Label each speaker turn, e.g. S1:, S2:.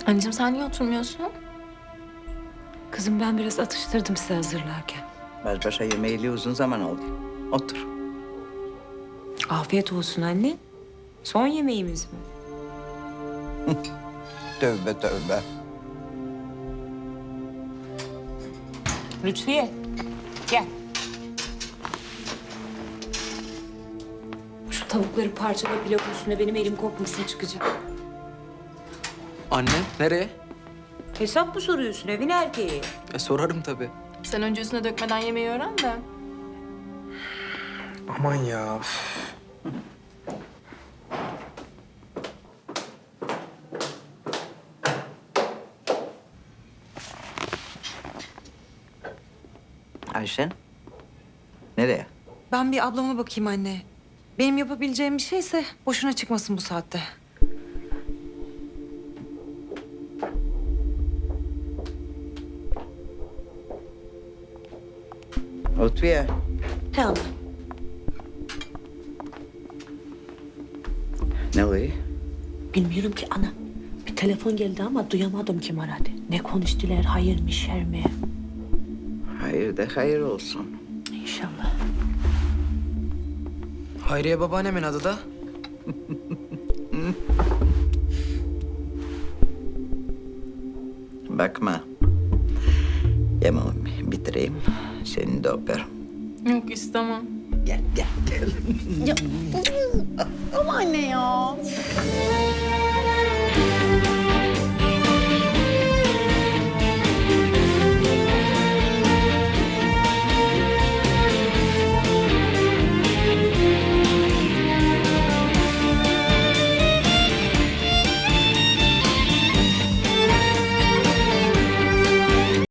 S1: Anneciğim sen niye oturmuyorsun?
S2: Kızım ben biraz atıştırdım size hazırlarken.
S3: Baş başa yemeğiyle uzun zaman oldu. Otur.
S2: Afiyet olsun anne. Son yemeğimiz mi?
S3: Tövbe tövbe.
S2: Lütfiye gel. Şu tavukları parçala, pilav üstüne benim elim kopmasın çıkacak.
S4: Anne nereye?
S2: Hesap mı soruyorsun evin erkeği?
S4: Sorarım tabii.
S1: Sen önce üstüne dökmeden yemeği öğren de.
S4: Aman ya.
S3: Ayşen. Nereye?
S5: Ben bir ablama bakayım anne. Benim yapabileceğim bir şeyse boşuna çıkmasın bu saatte.
S3: Lütfiye.
S5: He ana.
S3: Ne oluyor?
S6: Bilmiyorum ki ana. Bir telefon geldi ama duyamadım kim aradı. Ne konuştular, hayır mı, şer mi?
S3: Hayır de hayır olsun.
S6: İnşallah.
S4: Hayriye babaannemin adı da.
S3: Bakma. Yemeğimi bitireyim. Seni de öperim.
S1: Yok istemem.
S3: Gel, gel, gel.
S1: Ama anne ya.